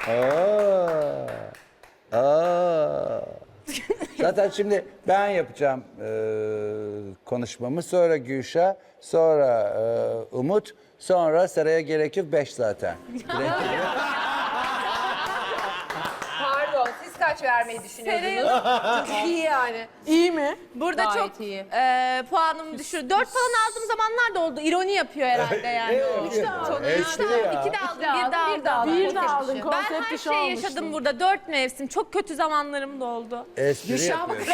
Zaten şimdi ben yapacağım konuşmamı. Sonra Gülşah, sonra Umut, sonra Seray'a gerek yok 5 zaten. Pardon, siz kaç vermeyi düşünüyordunuz? Çok iyi yani. İyi mi? Burada Gayet çok iyi. puanımı düşür. 4 falan aldığım zamanlar da oldu. İroni yapıyor herhalde yani. Espri ya. 2 de aldım, 1 de aldım. Bir de aldın Ben konsept her dışı şeyi olmuştun. yaşadım burada. 4 mevsim. Çok kötü zamanlarım da oldu. Espri yapıyorsun.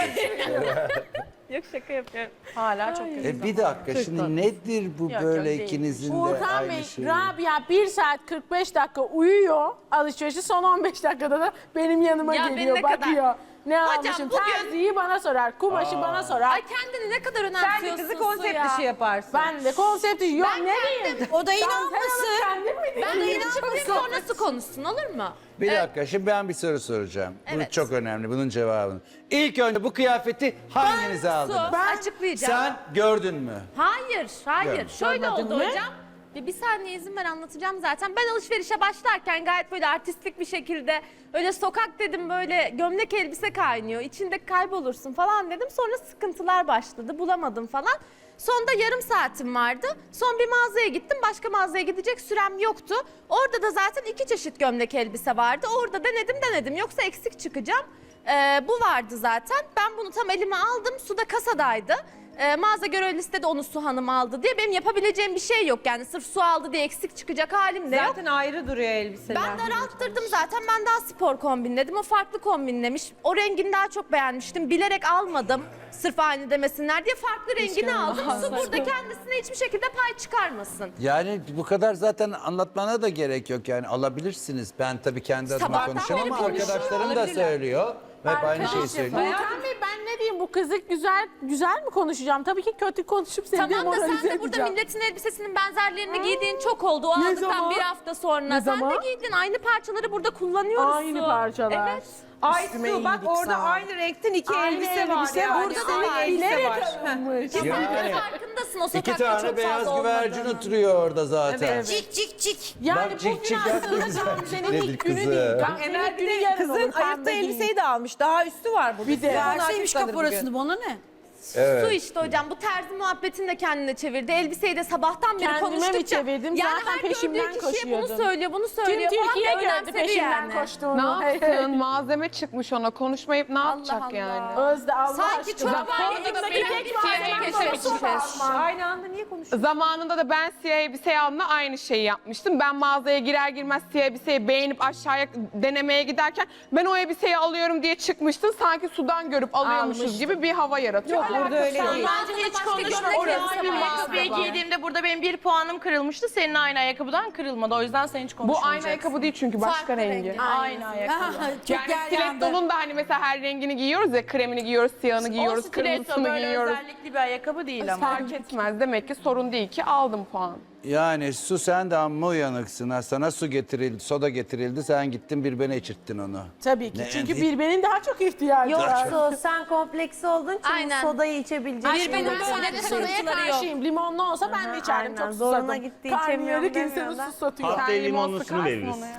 Yok, şaka yapıyorum. Hala çok kötü. Bir dakika şimdi nedir bu böyle değil. ikinizin de Uğurkan aynı Bey, şey? Rabia 1 saat 45 dakika uyuyor alışverişi, son 15 dakikada da benim yanıma Ya ben geliyor, ne kadar- bakıyor. Ne Hocam, almışım? bugün- Terziyi bana sorar, kumaşı bana sorar. Ay kendini ne kadar Sen önemsiyorsun de kızı konsept ya. dışı yaparsın. Ben de konsepti yok Ben ne kendim- diyeyim? O da Dantel inanmasın. alıp kendim mi Ben de dikeyim? inanmayayım, sonrası konuşsun, olur mu? Bir dakika şimdi ben bir soru soracağım. Bu Evet. çok önemli bunun cevabını. İlk önce bu kıyafeti hanginize aldınız? Ben açıklayacağım. Sen gördün mü? Hayır, hayır. Yok. Şöyle Görmedin oldu mi? hocam. Bir saniye izin ver, anlatacağım zaten. Ben alışverişe başlarken gayet böyle artistik bir şekilde öyle sokak dedim, böyle gömlek elbise kaynıyor, içinde kaybolursun falan dedim. Sonra sıkıntılar başladı, bulamadım falan. Sonda yarım saatim vardı. Son bir mağazaya gittim, başka mağazaya gidecek sürem yoktu. Orada da zaten 2 çeşit gömlek elbise vardı. Orada denedim. Yoksa eksik çıkacağım. Bu vardı zaten. Ben bunu tam elime aldım. Suda kasadaydı. Mağaza görevlisi de onu Su Hanım aldı diye. Benim yapabileceğim bir şey yok. Yani sırf su aldı diye eksik çıkacak halim de yok. Zaten ayrı duruyor elbiseler. Ben daralttırdım zaten. Ben daha spor kombinledim. O farklı kombinlemiş. O rengini daha çok beğenmiştim. Bilerek almadım. Sırf aynı demesinler diye farklı rengini aldım. Su burada kendisine hiçbir şekilde pay çıkarmasın. Yani bu kadar zaten anlatmana da gerek yok yani alabilirsiniz. Ben tabii kendi adıma Sabahtan konuşamam beri ama arkadaşlarım da söylüyor. Ve aynı şeyi söylüyor. Uğurkan Bey, ben ne diyeyim, bu kızı güzel mi konuşacağım? Tabii ki kötü konuşup seni Tamam da demoralize sen de burada edeceğim. milletin elbisesinin benzerlerini giydiğin çok oldu. O Ne aldıktan zaman? bir hafta sonra. Ne Sen zaman? de giydin. Aynı parçaları burada kullanıyoruz. Aynı Su. parçalar. Evet. Aysu bak orada aynı renkten iki elbise var. Yani. Burada da var. elbise var. alınmış. Sen de Yani farkındasın, o İki sokakta tane çok beyaz fazla güvercin olmadığını. oturuyor orada zaten. Cik cik cik. Yani Bak, cik cik bugün yaptı aslında güzel. senin Dedi ilk günü kızı. değil. Bak Senin Emel ilk bir günü de yarın kızın olur, pembe ayıpta giyin. elbiseyi de almış. Daha üstü var burada. Bir de. Verseymiş kaporasını bana ne? Evet. Su işte hocam, bu terzi muhabbetini de kendine çevirdi. Elbiseyi de sabahtan beri Kendime mi konuştukça. çevirdim? Yani Zaten her peşimden gördüğü kişiye bunu koşuyordun. söylüyor, bunu Tüm söylüyor falan Türkiye da gördü önemsedi peşimden yani. koştuğunu. Ne yapsın? Malzeme çıkmış ona. Konuşmayıp ne yapacak Allah yani? Allah. Özde Allah Sanki aşkına. çok var ya, Koltuğumdaki eksik tek bir malzeme şey sosu keşfetmiş. basman. Aynı anda niye konuşuyorsun? Zamanında da ben siyah elbise aldığımda aynı şeyi yapmıştım. Ben mağazaya girer girmez siyah elbiseyi beğenip aşağıya denemeye giderken ben o elbiseyi alıyorum diye çıkmıştım. Sanki sudan görüp alıyormuşuz Almıştım. gibi bir hava yaratıyor. Yok burada öyle değil. Bence hiç konuşma. Aynı ayakkabıyı giydiğimde burada benim bir puanım kırılmıştı. Senin aynı ayakkabıdan kırılmadı. O yüzden sen hiç Bu konuşmayacaksın. aynı ayakkabı değil çünkü başka Farklı rengi. rengi. Aynı ayakkabı. Çok Yani geryandı. stilettonun da hani mesela her rengini giyiyoruz ya, kremini giyiyoruz, siyahını giyiyoruz, O stiletto kırmızısını böyle giyiyoruz. özellikli bir ayakkabı değil ama. Fark etmez. Demek ki sorun değil ki aldım puan. Yani Su sen de amma uyanıksın ha. Sana su getirildi, soda getirildi. Sen gittin birbirine içirttin onu. Tabii ki. Ne- Çünkü birbenin daha çok ihtiyacı var. Yoksa sen kompleksi olduğun için Aynen. sodayı içebileceksin. Benim Ben böyle sodaya sıkıntıları yok. karşıyım. Limonlu olsa ben de içerdim. aynen. Çok Zoruna susadım. gitti, Karnıyarık içemiyorum insanı demiyor da. susatıyor. Sen Haftaya limon limonlusunu sıkarsın veririz. ona ya.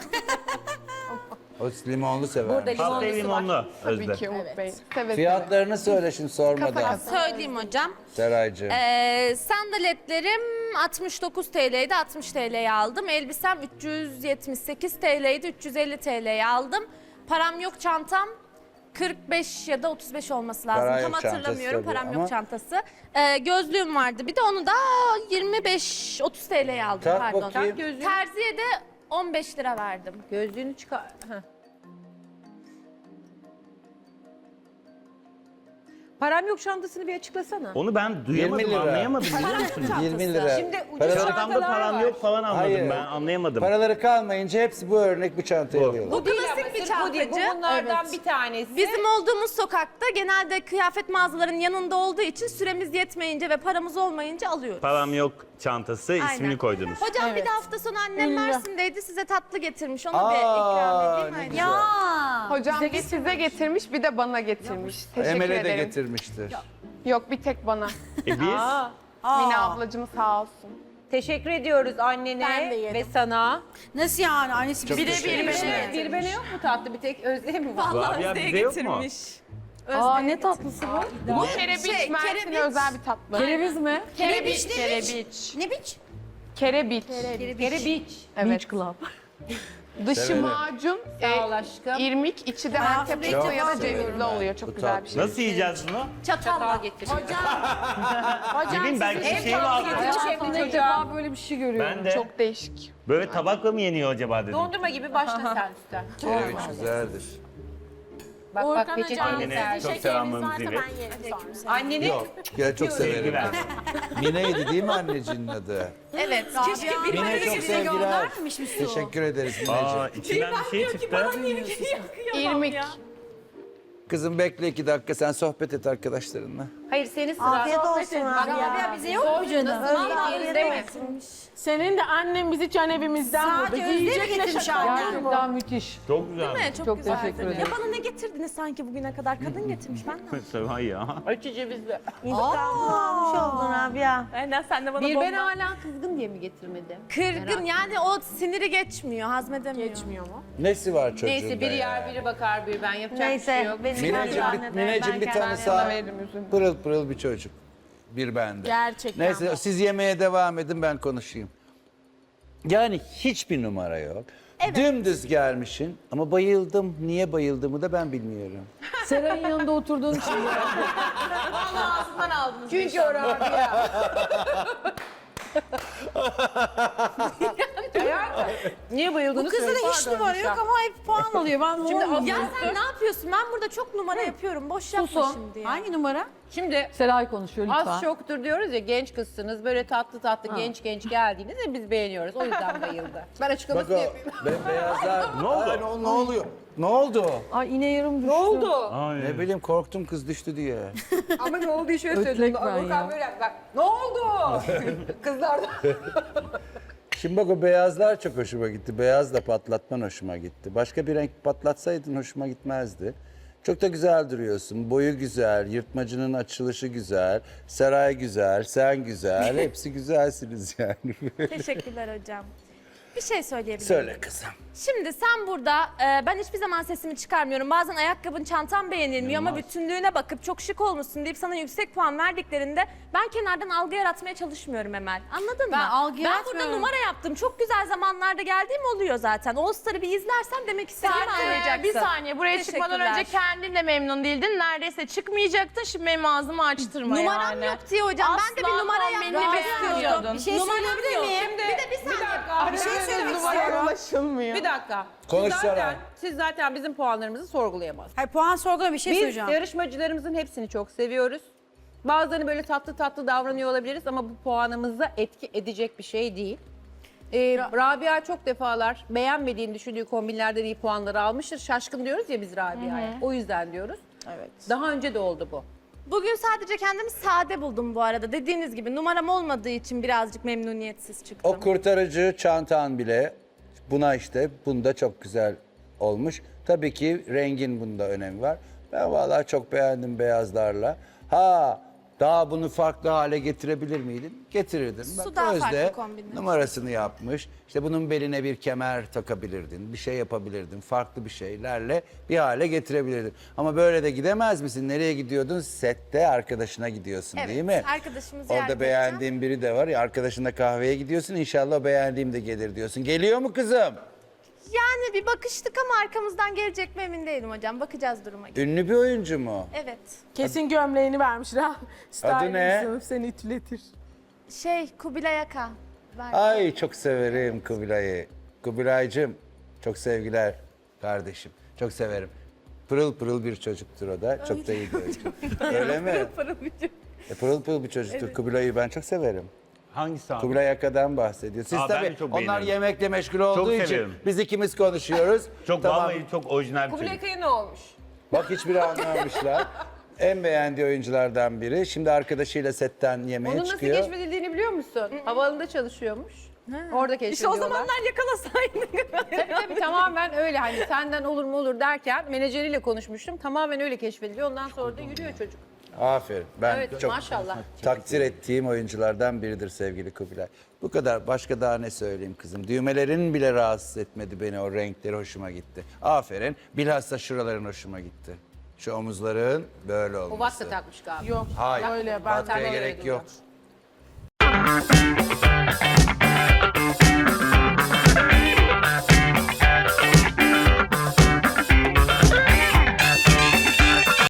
O limonlu sever. Haftaya limonlu Tabii Özde. ki Umut Bey. Seve seve. Fiyatlarını söyle şimdi sormadan. Söyleyeyim hocam. Seraycığım. Sandaletlerim 69 TL'ydi, 60 TL'ye aldım. Elbisem 378 TL'ydi, 350 TL'ye aldım. Param yok çantam 45 ya da 35 olması lazım. Para Tam yok çantası hatırlamıyorum, tabii param ama- yok çantası. Gözlüğüm vardı, bir de onu da 25-30 TL'ye aldım, Tak pardon. bakayım. Terziye de 15 lira verdim. Gözlüğünü çıkar. Heh. Param yok çantasını bir açıklasana. Onu ben 20 duyamadım, lira. anlayamadım biliyor musunuz? 20 lira. Şimdi ucuz Paraları, Çantamda çantalar param var. yok falan anladım Hayır. ben, anlayamadım. paraları kalmayınca hepsi bu örnek bu çantaya Bu. alıyorlar. Bu Değil klasik ama bir sırf bu değil. çantacı. Bu bunlardan Evet. bir tanesi. Bizim olduğumuz sokakta genelde kıyafet mağazalarının yanında olduğu için süremiz yetmeyince ve paramız olmayınca alıyoruz. Param yok çantası ismini Aynen. koydunuz. Hocam bir de hafta sonu annem Ünlü. Mersin'deydi, size tatlı getirmiş. Onu bir ikram edeyim. ne Haydi. güzel. Hocam bir size getirmiş bir de bana getirmiş. Teşekkür Emel'e de ederim. getirmiştir. Yok bir tek bana. Biz Mine ablacığım sağ olsun. Teşekkür ediyoruz annene Ben de yedim. ve sana. Nasıl yani? Annesi Çok teşekkür ederim. Bir bene yok mu tatlı? Bir tek Özlem mi var? Rabia bizde yok mu? Aa ne tatlısı bu? Bu kerebiç, Mersin'e özel bir tatlı. Kereviz mi? Kerebiç. Kerebiç. Ne biç? Kerebiç. Kerebiç. Evet. Dışı Severim. macun, Sağ ol aşkım. irmik, içi de Antep Çok fıstığı ya da severim cevizli ben. oluyor. Çok Bu güzel bir tatlı. şey. Nasıl yiyeceğiz bunu? Çatalla getir. Bileyim belki bir şey var. İlk defa böyle bir şey görüyorum. Ben de. Çok değişik. Böyle tabakla mı yeniyor acaba dedim. Dondurma gibi başla sen üstten. Kereviç güzeldir. Bak Urkan bak peçete Hocam, Annene sizin çok şekeriniz selamlarımızı varsa ilet. ben yerim sonra. Anneni Yok, ya çok severim. Sevgiler. Mine'ydi değil mi annecinin adı? Evet. keşke bir Mine çok sevgiler. göndermemiş mi su? Teşekkür ederiz Aa, Mineciğim. içinden bir şey çıktı. İrmik. Kızım bekle 2 dakika sen sohbet et arkadaşlarınla. Hayır senin sıra. Afiyet olsun Rabia. Bize yok mu canım? Yerinde mi? Senin de annen bizi can evimizden buldu. Sadece Özlem Giyecek ne getirmiş şaka annem. var mı? müthiş. Çok güzel. Çok güzeldi. Ya bana ne getirdiniz sanki bugüne kadar? Kadın getirmiş ben ne? Sevan ya. Açı cevizli. Almış oldun Rabia. Aynen sen de bana Bir bomba. ben hala kızgın diye mi getirmedi? Kırgın yani o siniri geçmiyor, hazmedemiyor. Geçmiyor mu? Nesi var çocuğunda Neyse biri ya? yer biri bakar bir ben yapacak bir şey Neyse. yok. Mineciğim bir tanısa Sana veririm üzüm. pırıl pırıl bir çocuk. Bir bende. Gerçekten. Neyse siz yemeğe devam edin ben konuşayım. Yani hiçbir numara yok. Dümdüz gelmişsin ama bayıldım. Niye bayıldığımı da ben bilmiyorum. Seray'ın yanında oturduğun için. Ağzından aldınız. Çünkü o Rabia. Niye bayıldığını Bu kızda da hiç numara yok ama hep puan alıyor. Ben Şimdi ya sen ne yapıyorsun? Ben burada çok numara yapıyorum. Boş yapma şimdi ya. Hangi numara? Şimdi Seray konuşuyor lütfen. az çoktur diyoruz ya genç kızsınız böyle tatlı tatlı genç genç geldiğinizde biz beğeniyoruz. O yüzden bayıldı. Ben Bak açıklamasını o yapayım. bembeyazlar. Ne oldu? Ay, ne oluyor? Ne oldu? Ay iğne yarım düştü. Ne oldu? Ay. Ne bileyim korktum kız düştü diye. Ama ne oldu şöyle Ötlek söyledim. ben Volkan ya. böyle bak. Ne oldu? Kızlar da. Şimdi bak o beyazlar çok hoşuma gitti. Beyaz da patlatman hoşuma gitti. Başka bir renk patlatsaydın hoşuma gitmezdi. Çok da güzel duruyorsun. Boyu güzel, yırtmacının açılışı güzel, saray güzel, sen güzel. Hepsi güzelsiniz yani. Teşekkürler hocam. Bir şey söyleyebilir miyim? Söyle kızım. Şimdi sen burada, ben hiçbir zaman sesimi çıkarmıyorum. Bazen ayakkabın, çantan beğenilmiyor ama bütünlüğüne bakıp çok şık olmuşsun deyip sana yüksek puan verdiklerinde ben kenardan algı yaratmaya çalışmıyorum Emel. Anladın Ben mı? algı Ben burada yaratmıyorum. numara yaptım. Çok güzel zamanlarda geldiğim oluyor zaten. All Star'ı bir izlersen demek istediğimi anlayacaksın. Bir saniye buraya çıkmadan önce Teşekkürler. kendin de memnun değildin. Neredeyse çıkmayacaktın. Şimdi benim ağzımı açtırma Numaram yani. yok diye hocam. Ben de bir Asla numara kombinini yapmak beğenmiyordun. Bir şey söyleyebilir miyim? Bir de bir saniye. Bir şey söylemek istiyorum. Ulaşılmıyor. Bir dakika. Konuş Siz zaten bizim puanlarımızı sorgulayamazsınız. Hayır puan sorgula bir şey Biz söyleyeceğim. yarışmacılarımızın hepsini çok seviyoruz. Bazılarını böyle tatlı tatlı davranıyor olabiliriz ama bu puanımıza etki edecek bir şey değil. Rabia çok defalar beğenmediğini düşündüğü kombinlerden iyi puanları almıştır. Şaşkın diyoruz ya biz Rabia'ya. O yüzden diyoruz. Evet. Daha önce de oldu bu. Bugün sadece kendimi sade buldum bu arada. Dediğiniz gibi numaram olmadığı için birazcık memnuniyetsiz çıktım. O kurtarıcı çantan bile bunda çok güzel olmuş. Tabii ki rengin bunda önemi var. Ben vallahi çok beğendim beyazlarla. Daha bunu farklı hale getirebilir miydin? Getirirdin. Su daha farklı Özde kombinler. numarasını yapmış. İşte bunun beline bir kemer takabilirdin. Bir şey yapabilirdin. Farklı bir şeylerle bir hale getirebilirdin. Ama böyle de gidemez misin? Nereye gidiyordun? Sette arkadaşına gidiyorsun Evet, değil mi? arkadaşımı ziyaret Orada edeceğim. beğendiğin biri de var ya arkadaşınla kahveye gidiyorsun. İnşallah beğendiğim de gelir diyorsun. Geliyor mu kızım? Yani bir bakıştık ama arkamızdan gelecek mi emin değilim hocam. Bakacağız duruma göre. Ünlü bir oyuncu mu? Evet. Kesin gömleğini vermiş. Adı ne? Sınıf seni ütületir. Kubilay Aka. Ay çok severim Kubilay'ı. Kubilay'cığım çok sevgiler kardeşim. Çok severim. Pırıl pırıl bir çocuktur o da. Çok da iyi bir oyuncu. Öyle mi? Pırıl pırıl bir çocuktur. Kubilay'ı ben çok severim. Hangisi abi? Kubilay Aka'dan bahsediyor. Siz Aa, ben de tabii çok onlar beğenirim. yemekle meşgul olduğu için severim. biz ikimiz konuşuyoruz. Çok Tamam. vallahi çok orijinal bir Kubilay çocuk. Kaya ne olmuş? Bak hiçbiri anlamamışlar. En beğendiği oyunculardan biri. Şimdi arkadaşıyla setten yemeğe Onun nasıl çıkıyor. keşfedildiğini biliyor musun? Havaalanında çalışıyormuş. Orada keşfediyorlar. İşte o zamanlar yakalasaydın. Tabii tamamen öyle hani senden olur mu olur derken menajeriyle konuşmuştum. Tamamen öyle keşfediliyor. Ondan sonra da yürüyor çocuk. Aferin. Ben Evet çok maşallah. takdir ettiğim oyunculardan biridir sevgili Kubilay. Bu kadar. Başka daha ne söyleyeyim kızım? Düğmelerin bile rahatsız etmedi beni. O renkleri hoşuma gitti. Aferin. Bilhassa şuraların hoşuma gitti. Şu omuzların böyle olması. O vatsa takmış galiba. Yok. Hayır. Öyle ben Batkaya öyle gerek duruyor. yok.